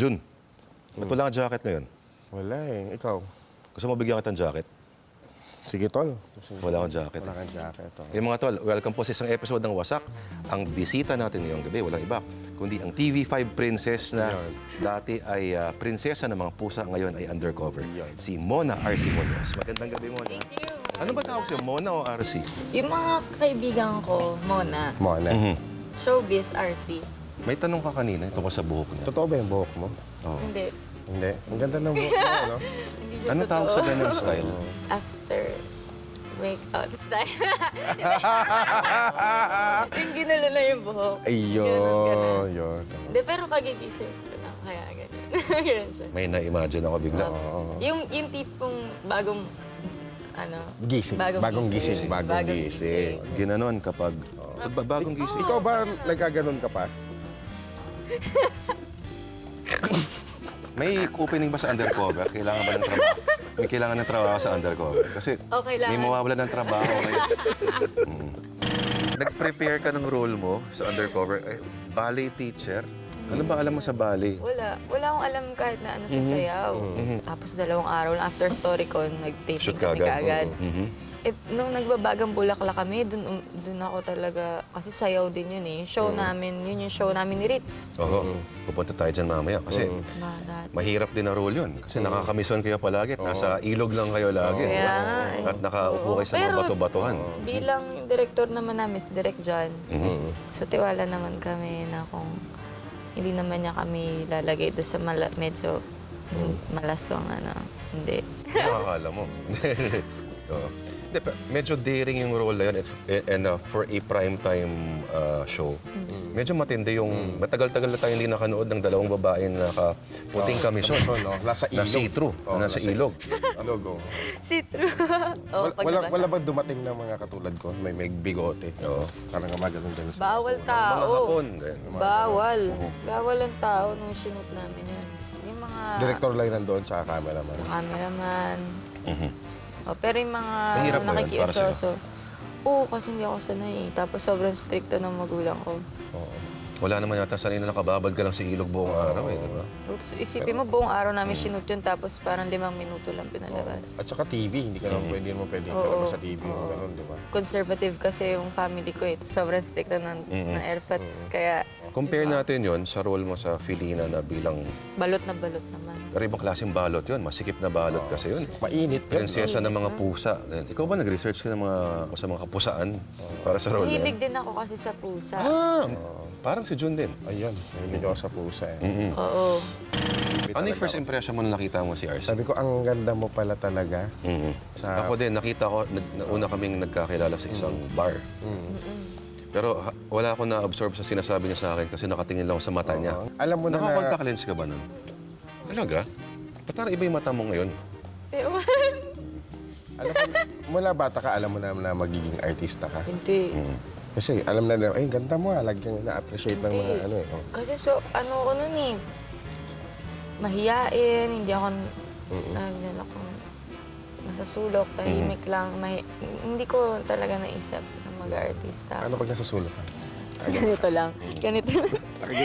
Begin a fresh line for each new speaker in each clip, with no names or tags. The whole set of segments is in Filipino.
Jun, ba't wala kang jacket ngayon?
Wala eh. Ikaw?
Gusto mo bigyan kita ng jacket?
Sige, tol.
Wala akong jacket.
Wala kang jacket. Oh.
Mga tol, welcome po sa isang episode ng Wasak. Ang bisita natin ngayong gabi, walang iba, kundi ang TV5 princess na dati ay prinsesa ng mga pusa, ngayon ay undercover. Si Mona RC Munoz. Magandang gabi, Mona.
Thank you.
Ano ba tawag sa'yo, Mona o RC?
Yung mga kaibigan ko, Mona,
Mona.
Showbiz, RC.
May tanong ka kanina, ito ko sa buhok niya.
Totoo ba yung buhok mo?
Oh.
Hindi.
Hindi. Ang ganda ng buhok mo, no?
Hindi siya
Ano tawag
totoo.
sa ganung style?
After wake out style. Yung ginulo na yung buhok.
Ayun. Yun.
Hindi, pero kagigising ko lang. Kaya ganyan. Ganyan siya.
May na-imagine ako bigla.
Yung tipong bagong, ano,
Gising. Bagong gising. Bagong gising.
Ginanon kapag bagong gising.
Ikaw ba nagkaganon ka pa?
May opening ba sa undercover? Kailangan ba ng trabaho? May kailangan ng trabaho sa undercover? Kasi
kailangan.
may mawawala ng trabaho ngayon. Nag-prepare ka ng role mo sa undercover. Ballet teacher? Ano ba alam mo sa ballet?
Wala. Wala akong alam kahit na ano sa sayaw. Tapos 2 araw lang after StoryCon, nag-taping
Shoot
kami
kagad.
kaagad.
Mhm.
Nung nagbabagang Bulaklak kami, dun ako talaga, kasi sayaw din yun eh. Show namin, yun yung show namin ni Ritz.
Oo. Pupunta tayo dyan mamaya. Kasi mahirap din na role yun. Kasi nakakamisyon kayo palagi. Nasa ilog lang kayo lagi.
Kaya nga eh.
At nakaupo kayo sa mga
Pero
bato-batuhan.
bilang director naman namin, si Direk John, so tiwala naman kami na kung hindi naman niya kami lalagay doon sa medyo malasong ano. Hindi.
Nakakala mo. Oo. Hindi, medyo daring yung role na yun and for a primetime show. Medyo matindi yung matagal-tagal na tayo hindi nakanood ng 2 babae na naka-puting kamisyon.
no? Nasa ilog.
Na see-through. Nasa ilog.
Ilog, oh.
See through.
Wala bang dumating na mga katulad ko? May bigote.
Oo.
Parang maganon din sa...
Bawal
Mga
tao.
hapon. ganyan.
Bawal. Bawal ang tao nung shoot namin yun. Yung mga
Director lang nandoon sa cameraman.
cameraman. Pero yung mga
Mahirap ba yun para sa'yo?
nakikiusoso. Oo, kasi hindi ako sanay eh. Tapos sobrang stricto ng magulang ko.
Wala naman yata sanay na nakababad ka lang sa ilog buong araw eh, di ba?
Tapos isipin mo, buong araw namin shoot yun, tapos parang 5 minuto lang pinalabas.
At saka TV, hindi ka naman pwede palabas sa TV mo, gano'n, di ba?
Conservative kasi yung family ko eh. Sobrang stricto ng airpods. Kaya
Compare natin yon sa role mo sa Filina na bilang
balot na balot naman.
pero ibang klaseng balot yon, masikip na balot kasi yun.
Mainit.
Prinsesa ng mga pusa. Ikaw ba nag-research ka ng sa mga kapusaan para sa role na
Mahilig
yan?
din ako kasi sa pusa.
Parang si Jun din.
Ayun, mahilig ako sa pusa eh.
Oo.
Ano yung first impression mo nung nakita mo si RC?
Sabi ko, ang ganda mo pala talaga.
Ako din, nakita ko, una kaming nagkakilala sa isang bar. Pero wala akong na-absorb sa sinasabi niya sa akin kasi nakatingin lang ako sa mata niya.
Alam mo na
Naka-contact lens ka ba nun? Talaga? Ba't parang iba yung mata mo ngayon?
Ewan.
alam mo, mula bata ka, alam mo na magiging artista ka.
Hindi.
Kasi alam na, ganda mo lagyan na-appreciate ng mga ano eh.
Kasi ano ko nun eh. Mahiyain, hindi ako, ako masasulok, tahimik lang. Hindi ko talaga naisip na mag-artista.
Ano pag nasa sulok ka?
Ganito lang. Ganito lang.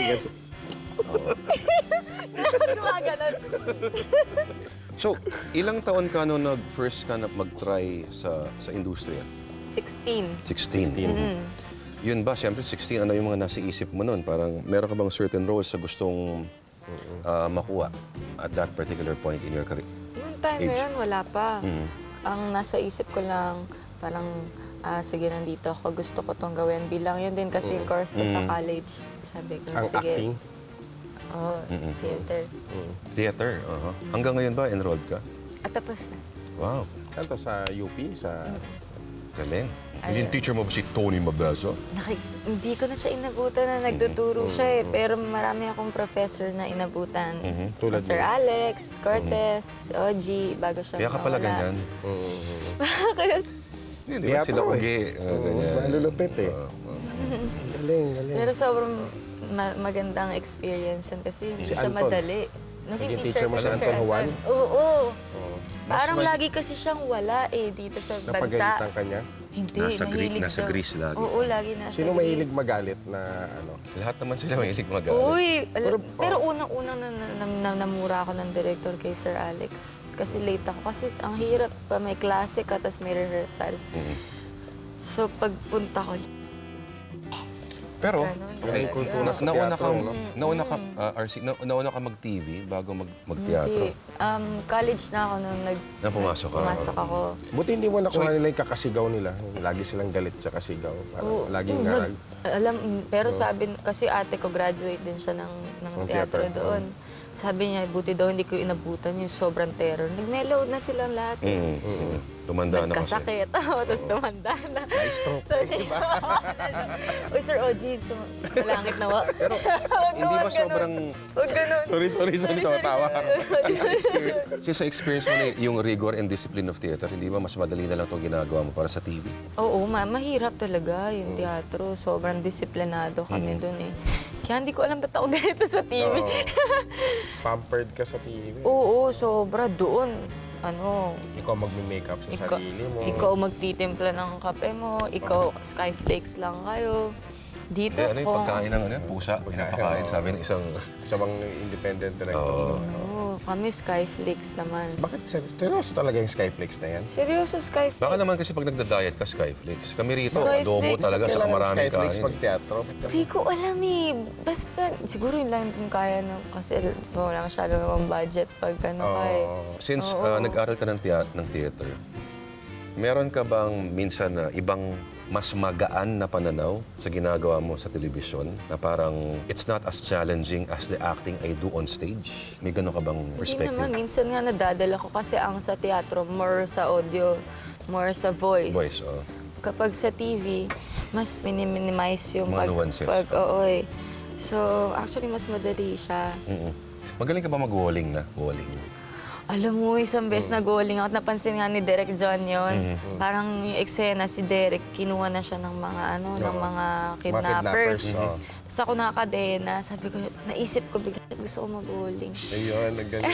Gumaganon.
So, ilang taon ka nung nag-first ka na mag-try sa industriya?
16.
16. Yun ba, siyempre 16, ano yung mga nasa isip mo nun? Parang meron ka bang certain roles sa gustong makuha at that particular point in your career?
Noong time na yun, wala pa. Ang nasa isip ko lang, parang, sige, nandito ako, gusto ko tong gawin. Bilang yun din kasi yung course ko sa college. Sabi ko,
Ang
sige.
acting?
Oo, theater.
Theater, Hanggang ngayon ba, enrolled ka?
At tapos na.
Wow,
Saan to? Sa UP? Sa...
galing. Hindi yung teacher mo ba si Tony Mabezo?
Hindi ko na siya inabutan na nagtuturo siya eh. Pero marami akong professor na inabutan.
Tulad
Sir Alex, Cortez, Oji, bago siya
Kaya ka pala
mawala.
ganyan.
Bakit?
Hindi, di ba sila ugi? Ganyan.
Malulupit eh. Galing.
Pero sobrang magandang experience yun kasi hindi
Si
siya
Anton.
madali.
Naging teacher mo si Anton Juan?
Oo. Parang lagi kasi siyang wala eh dito sa bansa.
Napagalitan ka niya?
Hindi,
Nasa
mahilig
nasa
daw.
Greece lagi.
Oo, lagi nasa
Sino
Greece.
mahilig magalit na ano?
Lahat naman sila mahilig magalit.
Uy, pero unang-unang namura ako ng director kay Sir Alex. Kasi late ako. Kasi ang hirap pa, may klase ka, tapos may rehearsal.
Mhm.
So, pagpunta ko,
Pero,
Ganon
okay,
talaga.
kultura sa
nauna ka,
teatro, no?
nauna ka mag-TV bago mag-teatro.
hindi. College na ako nung
Na pumasok ka.
pumasok ako.
Buti hindi mo nakuha nila yung kakasigaw nila. Lagi silang galit sa kasigaw.
Oo,
Laging
pero sabi, kasi ate ko graduate din siya ng
Ng
teatro
theater.
doon. Sabi niya, buti daw hindi ko inabutan yung sobrang terror. Nag-mellow na silang lahat.
Tumanda na kasi.
Nagkasakit, tapos tumanda na. Na-stroke. Uy, Sir OG, malangit na wa.
Pero hindi ba sobrang...
Huwag ganun.
Sorry, tumatawa ka.
Kasi sa experience mo na yung rigor and discipline of theater, hindi ba mas madali na lang itong ginagawa mo para sa TV?
Oo, mahirap talaga yung teatro. Sobrang disiplinado kami doon eh. Kaya hindi ko alam ba't ako ganito sa TV.
Pampered ka sa TV.
Oo, sobra doon. Ano,
Ikaw magme-makeup sa sarili mo.
ikaw magtitimpla ng kape mo, ikaw skyflakes lang kayo. Dito
Ano yung pagkain ng pusa? Pinapakain, sabi ng isang...
Sa mga independent director.
Oo, kami skyflakes naman.
Bakit seryoso talaga yung Skyflex na yan?
Seryoso, skyflakes.
Baka naman kasi pag nagda-diet ka, Skyflakes. Kami rito,
Skyflakes.
adobo talaga, saka maraming
Skyflex
kain.
pag teatro.
Hindi ko alam eh. Basta, siguro yun lang din kaya na, kasi wala masyadong namang budget pag ano kaya.
Since nag-aral ka ng theater, meron ka bang minsan na ibang mas magaan na pananaw sa ginagawa mo sa telebisyon na parang it's not as challenging as the acting I do on stage? May gano'n ka bang
Hindi
perspective?
naman, minsan nga nadadala ko kasi ang sa teatro, more sa audio, more sa voice.
Voice, oh.
Kapag sa TV, mas minimize yung
Mga nuances.
oo eh. So, actually, mas madali siya.
Magaling ka ba mag-walling na? Walling.
Alam mo, isang beses nag-walling out, napansin nga ni Direk John yon. Parang yung eksena, si Derek, kinuha na siya ng mga, ng mga kidnappers.
oo.
Tapos ako nakakadena, sabi ko, naisip ko bigla, gusto ko mag-walling.
Ayun, nagaling.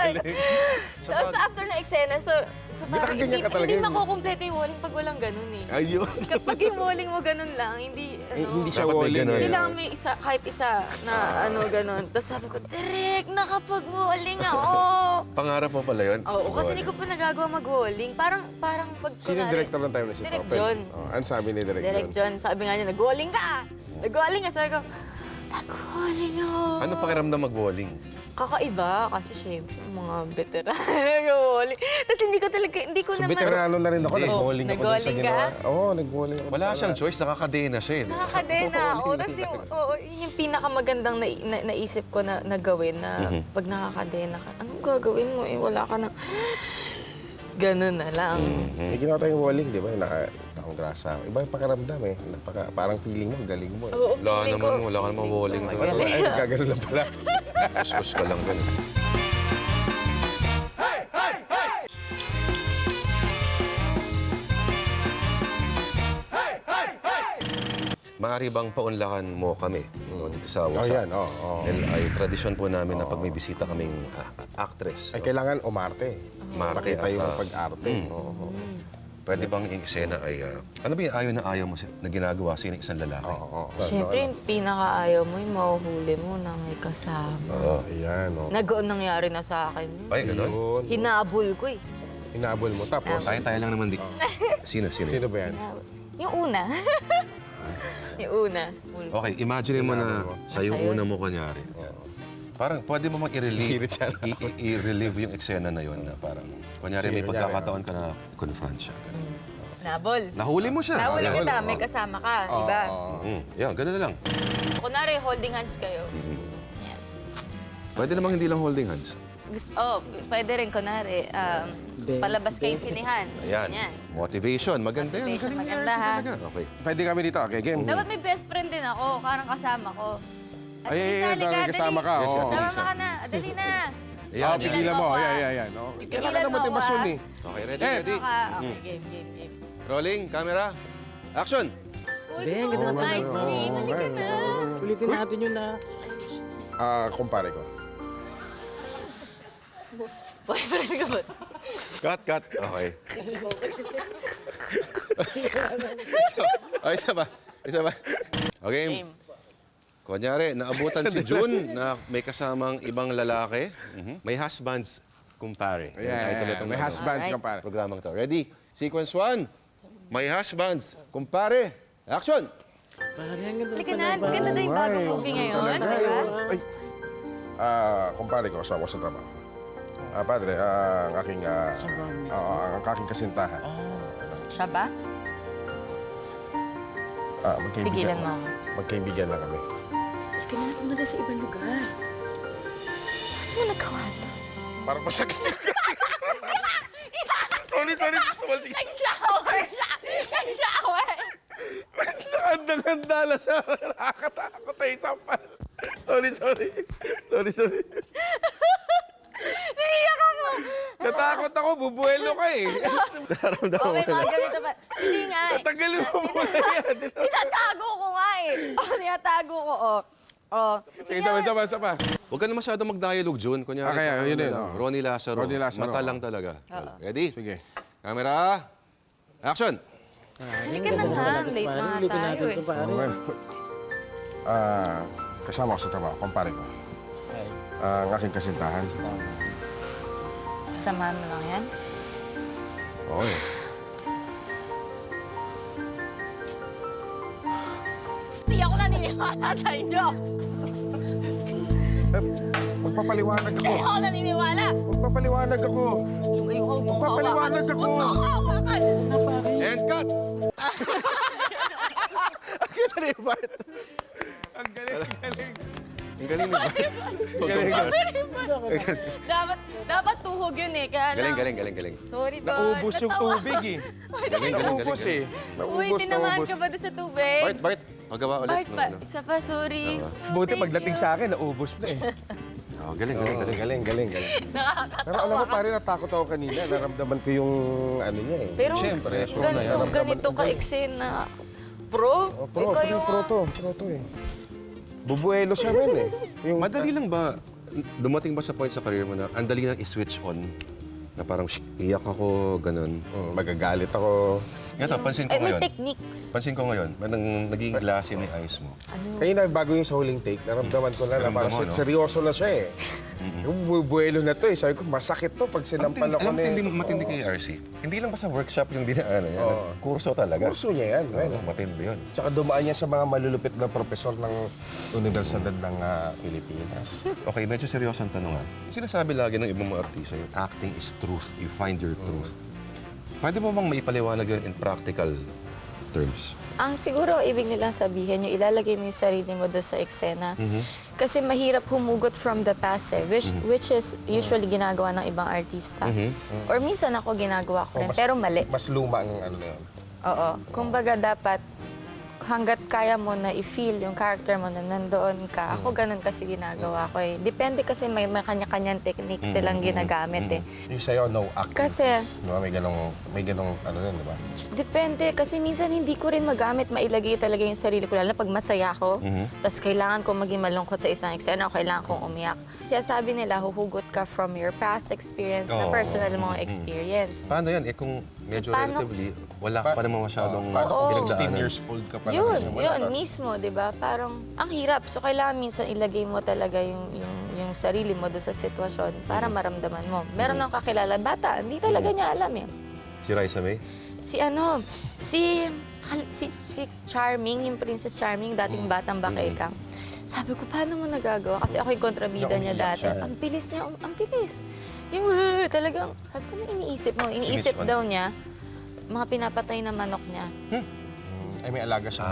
Tapos after na eksena, so parang
Ginagaganyan ka talaga
hindi
yun.
makukumpleto yung walling pag walang ganun eh.
Ayun.
Kapag yung walling mo ganun lang, hindi,
Hindi siya
Dapat may
walling.
ganun.
kailangan may isa, kahit isa na ganun. Tapos sabi ko, Direk, nakapag-walling ako.
Pangarap mo pala yun?
Oo, kasi hindi ko pa nagagawa mag-walling. Parang pag
Sino yung director ng time na si
Direk
Topel?
John.
Ano sabi ni Direk
Direk
John?
John, sabi nga niya, nag-walling ka! Nag-walling ka! Sabi ko, nag-walling ako.
Ano pakiramdam mag-walling?
Kakaiba, kasi syempre, mga veteran nag-walling. Tapos hindi ko talaga, hindi ko
So,
naman...
veterano na rin ako.
Hindi.
Nag-walling ako dun sa
Nag-walling ka?
ginawa. Oo, nag-walling ako.
Wala
sa-
siyang choice, nakakadena siya eh.
Nakakadena ako. Tapos yun yung pinakamagandang naisip ko na gawin na pag nakakadena ka, anong gagawin mo eh? Wala ka na... Ganun na lang.
May ginawa tayong walling, di ba? Naka-taong grasa. Iba yung pakiramdam eh. Parang feeling mo, galing mo. Eh.
Oo,
Wala
feeling
naman,
ko-
wala ka naman walling doon.
Parang ay, nagkagano lang pala.
Kuskus ka lang ganun. Maaari bang paunlakan mo kami dito sa
Oh,
WhatsApp?
yan. Oo.
Dahil ay tradisyon po namin na pag may bisita kaming actress.
Ay, kailangan umarte.
Marake
Makita yung
at
pag-arte. Oo.
pwede bang yung eksena ay... ano ba yung ayaw na ayaw mo na ginagawa sa isang lalaki?
Oo.
Siyempre, yung pinakaayaw mo, yung mahuhuli mo na may kasama.
Oo.
Ayan, oo.
Nag-on nangyari na sa akin. yun.
Ay, ganun?
Yun.
Hinabol ko eh.
Hinabol mo. Tapos,
Tayo lang naman di. Sino?
sino ba yan?
Yung una. yung una.
Okay, imagine mo na siya yung
Siya yun.
una mo kunyari. Parang pwede mo mang i-relieve,
Hirit yan.
i-relieve yung eksena na yun na parang, kunyari may
Sige,
pagkakataon ka na confront siya.
Nabol.
Nahuli mo siya.
Nahuli
Ayan.
kita, may kasama ka, di ba?
Yan, ganun na lang.
Kunwari, holding hands kayo. Yan.
Pwede namang hindi lang holding hands.
Pwede rin, kunwari, palabas kayong sinihan.
Ayan.
Yan.
Motivation. Maganda yan.
Motivation,
Galing yan
maganda,
siya
ha?
talaga. Okay.
Pwede kami dito. Okay, game.
Dapat may best friend din ako, parang kasama ko.
Ay, dahil kasama ka.
Yes,
Oo.
Ate Lisa.
Sama ka na, adali na.
Ayan,
Pigilan mo. Ayan. Kailangan na motivasyon eh.
Okay, ready,
Eh,
ready?
Okay, game.
Rolling, camera, action!
Uy,
Ben,
gusto
ganda
ko
naman.
nice. Mali ka na.
Ulitin natin yun na.
Kumpare ko.
Boyfriend ka ba?
Cut. Okay. Ay, isa ba? Okay.
Game.
Kunyari, naabutan si June na may kasamang ibang lalaki. May husbands, kumpare. Yung title itong
May
ano,
husbands ka
Alright.
pare.
programang to. Ready? Sequence 1. May husbands, kumpare. Action!
Halika na, ganda na yung bagong movie ngayon, di ba?
Ay. Kumpare ko, asawa ko sa trabaho. Padre, ang aking kasintahan.
Siya ba? Pigilan mo ako.
Magkaibigan lang kami.
Halika na, umaga sa ibang lugar.
Ano mo nagawa to?
Parang masakit yung Sorry.
Nag-shower siya! Nag-shower!
Handa na siya. Nakakatakot ay sampal. Sorry.
Naiyak ako!
Natakot ako, bubuelo ka eh.
Naramdaman
Okay,
mo na.
mga ganito ba? Hindi nga eh.
Tagalin mo muna yan.
Tinatago ko nga eh. Tinatago ko,
Sige, isa pa.
Huwag ka na masyado mag-dialogue, June. Kunyari,
Kaya, yun
ano
yun.
lang, Ronnie Lazaro.
Ronnie Lazaro.
Mata lang talaga. Ready?
Sige.
Camera. Action!
Halika na nga, late na nga tayo eh.
Okay. Kasama ko sa trabaho, kumpare ko. Ang aking kasintahan.
Samahan mo lang yan.
Okay.
Hindi ako naniniwala sa inyo.
Magpapaliwanag ako.
Hindi ako naniniwala.
Magpapaliwanag ako.
Yung kayo ko,
Magpapaliwanag ako.
Huwag mo ako hawakan.
And cut! Ang galing ni Bart.
Ang galing.
Ang galing ni Bart.
Dapat tuhog yun eh. Kaya lang.
Galing.
Sorry, Bart.
Naubos yung
Natawa.
tubig eh.
Galing.
Naubos eh.
Uy, tinamaan ka ba doon sa tubig?
Bart, pagawa ulit.
Bart pa. Isa pa, sorry.
Buti
Thank
pagdating
you.
sa akin, naubos na eh.
Oh, galing.
Galing. Pero alam mo, pare, natakot ako kanina. Naramdaman ko yung ano niya eh.
Pero
Siyempre, show na yan.
ganito ka-eksena. Pro?
Pro to eh. Bubuelo siya rin eh. Yung,
Madali lang ba, dumating ba sa point sa career mo na ang dali lang i-switch on? Na parang, iyak ako, ganun.
magagalit ako.
Ito, pansin ko
Ay, may
ngayon.
techniques.
Pansin ko ngayon, parang naging glassy ni eyes mo.
Kaya bago yung sa huling take, naramdaman ko na
Naramdaman
parang
mo, no?
seryoso na siya eh. Yung bubuelo na to eh. Sabi ko, masakit to pag sinampal ako
Alam mo,
na
matindi kay RC. Hindi lang ba sa workshop yung dinaanan niya? Kurso talaga.
Kurso niya yan.
Oo, matindi yun.
Tsaka dumaan niya sa mga malulupit na profesor ng Universidad ng Pilipinas.
Okay, medyo seryoso ang tanong ha. Sinasabi lagi ng ibang mga artista, yung acting is truth. You find your truth. Pwede mo bang maipaliwanag yun in practical terms?
Ang siguro ibig nilang sabihin, yung ilalagay mo yung sarili mo doon sa eksena. Kasi mahirap humugot from the past eh, which is usually ginagawa ng ibang artista. Or minsan ako ginagawa ko rin, pero mali.
Mas luma ang ano na yun.
Oo. Kumbaga dapat hanggat kaya mo na i-feel yung character mo na nandoon ka. Ako ganun kasi ginagawa ko eh. Depende kasi may kanya-kanyang technique silang ginagamit eh.
Yung sa'yo, no acting.
Kasi-
please. Diba? May ganong ano yun, di ba?
Depende kasi minsan hindi ko rin magamit mailagay talaga yung sarili ko. Lalo na pag masaya ako, tapos kailangan kong maging malungkot sa isang eksena o kailangan kong umiyak. Kaya sabi nila, huhugot ka from your past experience na
Oo.
personal mong experience.
Paano yan? Eh kung medyo
Paano-
relatively, wala ka pa naman masyadong
Paano kung 16
pinagdaanan.
years old ka pa lang?
Yun,
Wala
yun
pa.
mismo, di ba? Parang ang hirap. So, kailangan minsan ilagay mo talaga yung sarili mo doon sa sitwasyon para maramdaman mo. Meron akong kakilala, bata, hindi talaga niya alam eh.
Si Raisa May?
Si Charming, yung Princess Charming, dating batang Bakaykang. Sabi ko, paano mo nagagawa? Kasi ako yung kontrabida niya
Umiiyak
dati.
siya.
Ang bilis niya, ang bilis. Yung talagang, sabi ko, ano iniisip mo? Iniisip
Sinispan.
daw niya, mga pinapatay na manok niya.
Ay, may alaga siya.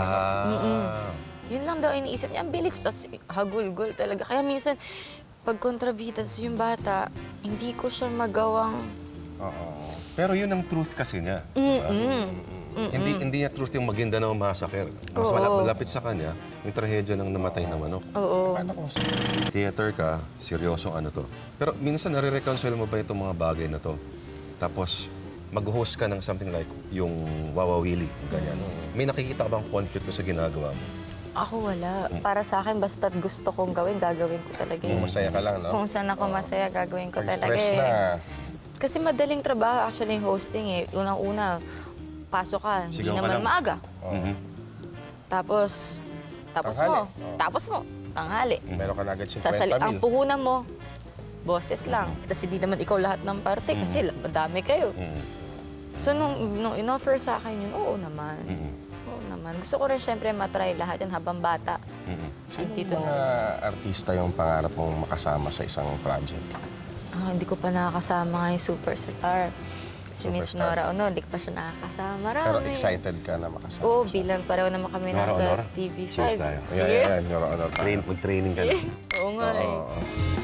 Yun lang daw iniisip niya. Ang bilis. Tapos hagulgol talaga. Kaya minsan, pag kontrabidas yung bata, hindi ko siya magawang...
Oo.
Pero yun ang truth kasi niya. diba? Hindi niya truth yung Maguindanao Massacre. Mas
Oo.
malapit sa kanya yung trahedya ng namatay na manok.
Oo.
Paano kung
Theater ka, seryosong ano to. Pero minsan nare-reconcile mo ba itong mga bagay na to? Tapos mag-host ka ng something like yung Wawawili, ganyan. May nakikita ka bang conflict sa ginagawa mo?
Ako wala. Para sa akin, basta't gusto kong gawin, gagawin ko talaga
kung
yun.
masaya ka lang, no?
Kung saan ako masaya, gagawin ko
Pag
talaga
stress
eh.
na,
Kasi madaling trabaho actually yung hosting eh. Unang-una, pasok ka, hindi
Sigaw ka
naman
lang.
maaga.
Mhm.
Tapos
Tanghali.
mo,
Oo.
tapos mo, tanghali.
Meron ka na agad 50
Ang
mil.
puhunan mo, boses lang. Tapos hindi naman ikaw lahat ng parte kasi madami kayo.
Mhm.
So nung in-offer sa akin yun, oo naman.
Mhm.
Oo naman. Gusto ko rin syempre matry lahat yan habang bata.
Mhm.
Sino
Dito
yung mga artista yung pangarap mong makasama sa isang project?
Hindi ko pa nakakasama nga yung superstar. Si Miss
Superstar.
Nora Honor, hindi ko pa siya nakakasama. Marami.
Pero excited ka na makasama?
Oo, bilang pareho naman kami
Nora
nasa
Honor?
TV5.
Cheers tayo.
Cheers.
Ayan, your honor.
Mag-training ka na.
Oo nga eh.
Oo.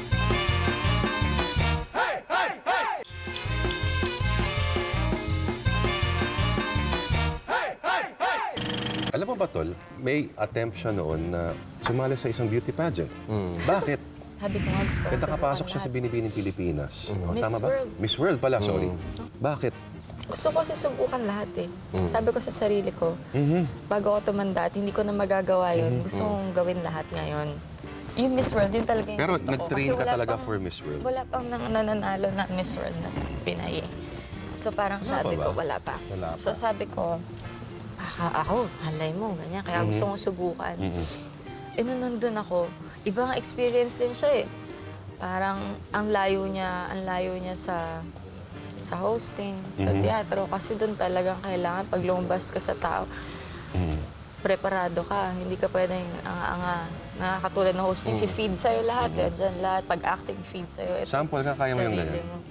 Alam mo ba, Tol, may attempt siya noon na sumali sa isang beauty pageant. Bakit?
Sabi ko nga gusto ko
Kaya nakapasok
subukan
siya sa
lahat.
Binibining Pilipinas. Oh,
Miss
tama ba?
World.
Miss World pala, sorry. Bakit?
Gusto ko kasi subukan lahat eh. Sabi ko sa sarili ko, bago ako tumanda at hindi ko na magagawa yun, gusto kong gawin lahat ngayon. Yung Miss World, yun talaga yung
Pero
gusto ko.
nag-train
Kasi
ka
wala
talaga
pang-
for Miss World?
Wala pang nananalo na Miss World na Pinay eh. So parang sabi
pa ba?
ko, wala pa.
Wala pa.
So sabi ko, ako, halay mo, ganyan. Kaya gusto kong subukan. Eh nung nandun ako, ibang experience din siya eh. Parang ang layo niya sa hosting, sa teatro. Kasi doon talagang kailangan pag lumabas ka sa tao, preparado ka. Hindi ka pwedeng anga-anga. Nakakatulad ng hosting, feed sa'yo lahat. Dyan lahat. Pag-acting, feed sa'yo.
Sample ka, kaya mo yung
Sarili
ganyan?
mo.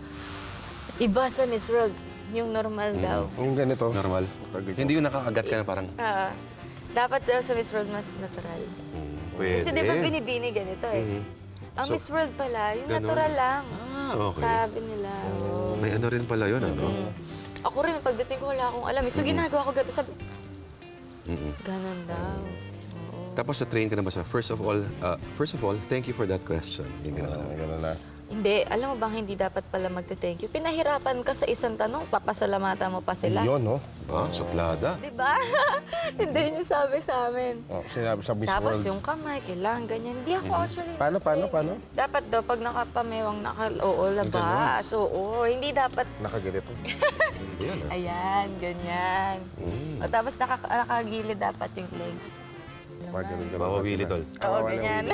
Iba sa Miss World, yung normal daw.
Yung ganito.
Normal? Hindi yung nakakagat ka na parang,
Dapat sa Miss World mas natural.
pwede.
Kasi di ba binibini ganito eh. Ang
So,
Miss World pala, yung
ganun.
natural lang.
Okay.
Sabi nila. oo.
May ano rin pala yun, ano?
Ako rin, pagdating ko wala akong alam. So ginagawa ko ganito, sabi,
Mm-mm.
ganon daw. Oo.
Tapos na-train ka na ba sa, first of all, thank you for that question. Yung ginawa namin.
Gano'n na.
Hindi, alam mo bang hindi dapat pala magte-thank you? Pinahirapan ka sa isang tanong, papasalamatan mo pa sila.
Yun, no?
Suplada.
Di ba? Hindi niyo sabi sa amin.
Oh, sinabi sa Miss
Tapos
World.
yung kamay, kailangan ganyan. Hindi ako actually.
Paano?
Dapat daw, pag nakapamewang, oo, labas. Oo, hindi dapat,
Nakaganito.
Yan, ah.
ayan, ganyan. O, tapos nakagilid dapat yung legs.
Ganun.
Mawawili, Tol.
Oo, ganyan.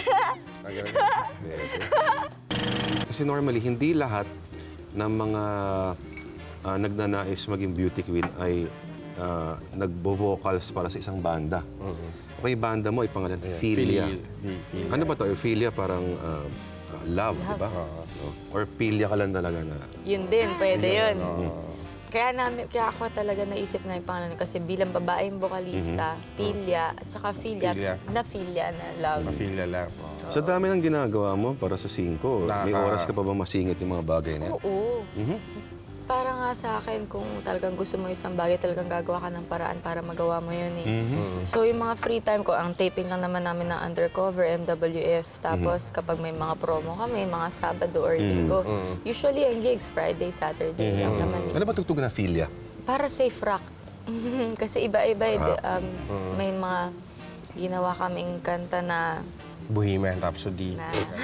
Pwede. Kasi normally, hindi lahat ng mga nagnanais maging beauty queen ay nagbo-vocals para sa isang banda. Okay, banda mo, ipangalan, Philia. Ano ba to? Philia parang love, di ba? Or Philia ka lang talaga na...
Yun din, pwede yun. Kaya ako talaga naisip na yung pangalan kasi bilang babaeng vokalista, Philia, at saka Philia,
Philia.
na love.
Mafilya lang.
Sa dami ng ginagawa mo para sa 5, may
Nakaka-
oras ka pa ba masingit yung mga bagay na yan?
Oo. Para nga sa akin, kung talagang gusto mo isang bagay, talagang gagawa ka ng paraan para magawa mo yun eh. So yung mga free time ko, ang taping lang naman namin ng Undercover, MWF. Tapos kapag may mga promo kami, mga Sabado or Linggo. Usually ang gigs, Friday, Saturday lang naman.
Ano ba tugtog na Philia?
Para safe rock. Kasi iba-iba, may mga ginawa kaming kanta na
Bohemian Rhapsody.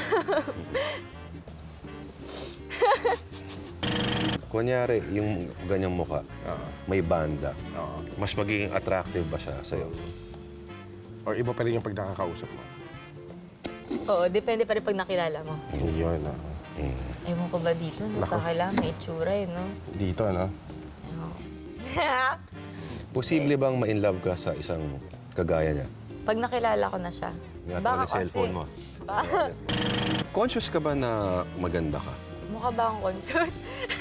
Kunyari, yung ganyang muka, may banda.
Oo.
Mas magiging attractive ba siya sa'yo?
Or iba pa rin yung pag nakakausap mo.
Oo, depende pa rin pag nakilala mo.
Yun,
Ewan ko ba dito, kailangan may itsura eh, no?
Dito, ano?
Oo.
Posible bang ma-inlove ka sa isang kagaya niya?
Pag nakilala ko na siya.
Nga
Baka
yung cellphone mo. Conscious ka ba na maganda ka?
Mukha ba akong conscious?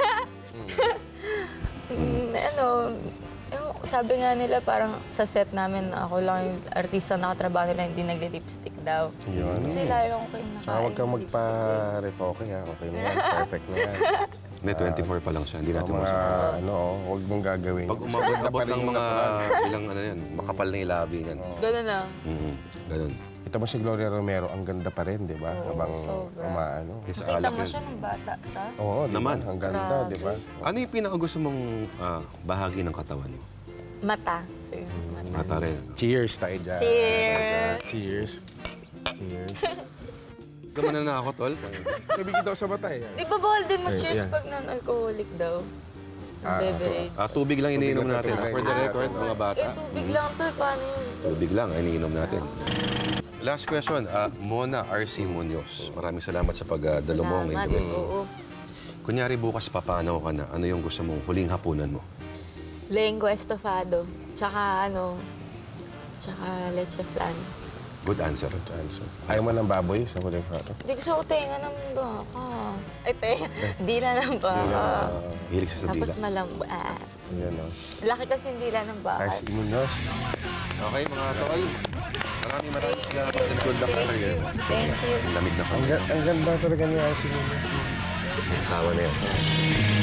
Sabi nga nila parang sa set namin, ako lang yung artista na nakatrabaho nila, hindi nagli-lipstick daw.
Yun.
Kasi layo ko yung
Saka
nakain.
huwag kang magpa-retoke, ha? Okay na yan. Perfect na yan.
May 24 pa lang siya, hindi natin
Mga,
masasabi.
huwag mong gagawin.
Pag umabot ng mga ilang ano yan, makapal na yung labi niyan.
Ganun na.
Ganun.
Kita mo si Gloria Romero, ang ganda pa rin, di ba? Habang
sobra.
umaano.
Kasi
Nakita
alak
mo
yun.
siya nung bata siya?
Oo, di ba?
Naman.
Ang ganda, di ba?
Ano yung pinakagusto mong bahagi ng katawan mo?
Mata. So, yun, mata.
Mata rin. Ano?
Cheers tayo dyan.
Cheers!
Cheers. Cheers.
Gamanan na ako, tol.
Sabi kita sa mata eh.
Di ba bawal din mag-cheers
yeah.
pag non-alcoholic daw? Beverage.
Tubig lang iniinom
lang,
natin.
tubig
For the
lang.
record, mga bata.
Tubig lang to. Paano yun?
Tubig lang, iniinom natin. Last question, Mona R.C. Munoz. Maraming salamat sa pagdalo mo
Salamat.
ngayon.
Oo.
Kunyari bukas papanaw ka na, ano yung gusto mong huling hapunan mo?
Lengua estofado. Tsaka leche flan.
Good answer.
Ayaw mo ng baboy sa huling prato.
Hindi gusto ko tenga ng baka. Ay, tenga. Dila ng baka.
Hilig sa
Tapos
dila.
malambot.
Yan o.
Laki kasi yung dila ng baka.
Ars Imunos.
Okay, mga tol. Maraming salamat and good luck sa career.
Thank you.
Ang lamig na
Ang ganda talaga ni Ars Imunos.
Asawa na yan.